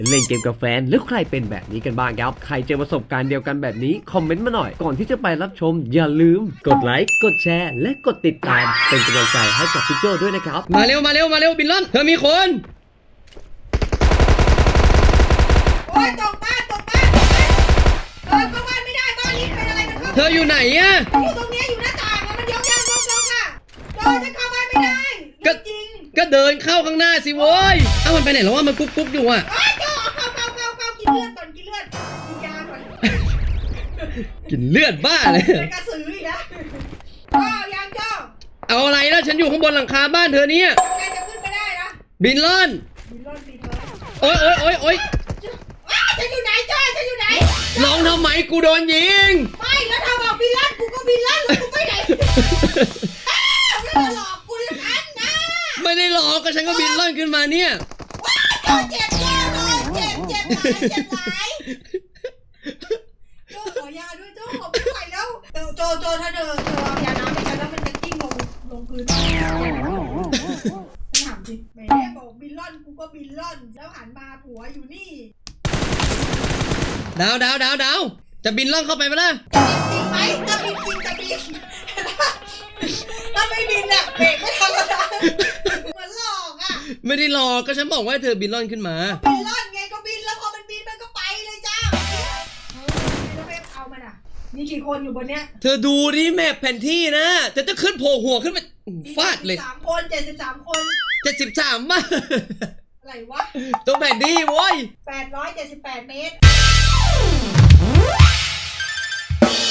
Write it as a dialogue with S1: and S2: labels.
S1: เล่นเกมกับแฟนหรือใครเป็นแบบนี้กันบ้างครับใครเจอประสบการณ์เดียวกันแบบนี้คอมเมนต์มาหน่อยก่อนที่จะไปรับชมอย่าลืมกดไลค์กดแชร์และกดติดตามเป็นกำลังใจให้กับพี่โจด้วยนะครับ
S2: มาเร็วบินล่อนเธอมีคน
S3: โอ้ยตกบ้านเข้าบ้านไม่ได้บ้านนี้เป็นอะไรกันครับ
S2: เธออยู่ไหนอะ
S3: อยู่ตรงนี้อยู่หน้าต่างอะมันยกค่ะจะเข้าบ้านไม่ได้จริง
S2: ก็เดินเข้าข้างหน้าสิโว้ยเอ้ามันไปไหนแล้ววะมันกุ๊กอยู่อะ
S3: โอ้ยโจเข้ากินเลือดก่อนกินยาก่อน
S2: กินเลือดบ้าเลย
S3: เป็นกระสืออีกนะโอ้ยังโจ
S2: เอาอะไรล่ะฉันอยู่ข้างบนหลังคาบ้านเธอเนี่ย
S3: ใครจะขึ้นไปได้นะ
S2: บินล่อน
S3: บินเลย
S2: โอ๊ย
S3: จะอยู่ไหนโจจะอยู่ไหน
S2: ร้องทำไมกูโดนยิง
S3: ไม่แล้วถ้าบอกบินลั่นกูก็บินลั่นแล้วกูไปไหนไม่หลอกกูอย่างนั้นนะ
S2: ไม่ได้หลอกก็ฉันก็บินล่อนขึ้นมาเนี่ย
S3: โจเจ็บเลยเจ็บหลายโจขอยาด้วยโจขอไม่ไหวแล้วโจถ้าเธอเอายาน้ำให้ฉันแล้วมันจะกิ้งลงพื้นถามสิแม่บอกบินล่อนกูก็บินล่อนแล้วหันมาผัวอยู่นี่
S2: ดาวจะบินล่อนเข้าไปไหมล่ะ
S3: จริงไหมจะบินถ้าไม่บินอะเบรกไม่ทันแล้วนะเหมือนหลอกอะ
S2: ไม่ได้หลอกก็ฉันบอกว่าให้เธอบินล่อนขึ้นมา
S3: บินล่อนไงก็บินแล้วพอมันบินมันก็ไปเลยจ้าแล้วไปเอามันอะมีกี่คนอยู่บนเนี้ย
S2: เธอดูดิแมพแผนที่นะจะขึ้นโผล่หัวขึ้นมาฟาดเลย
S3: 73 คน73 คน
S2: 73บ้า
S3: อะไรวะ
S2: ตัวแผนที่โว้ย
S3: 878 เมตร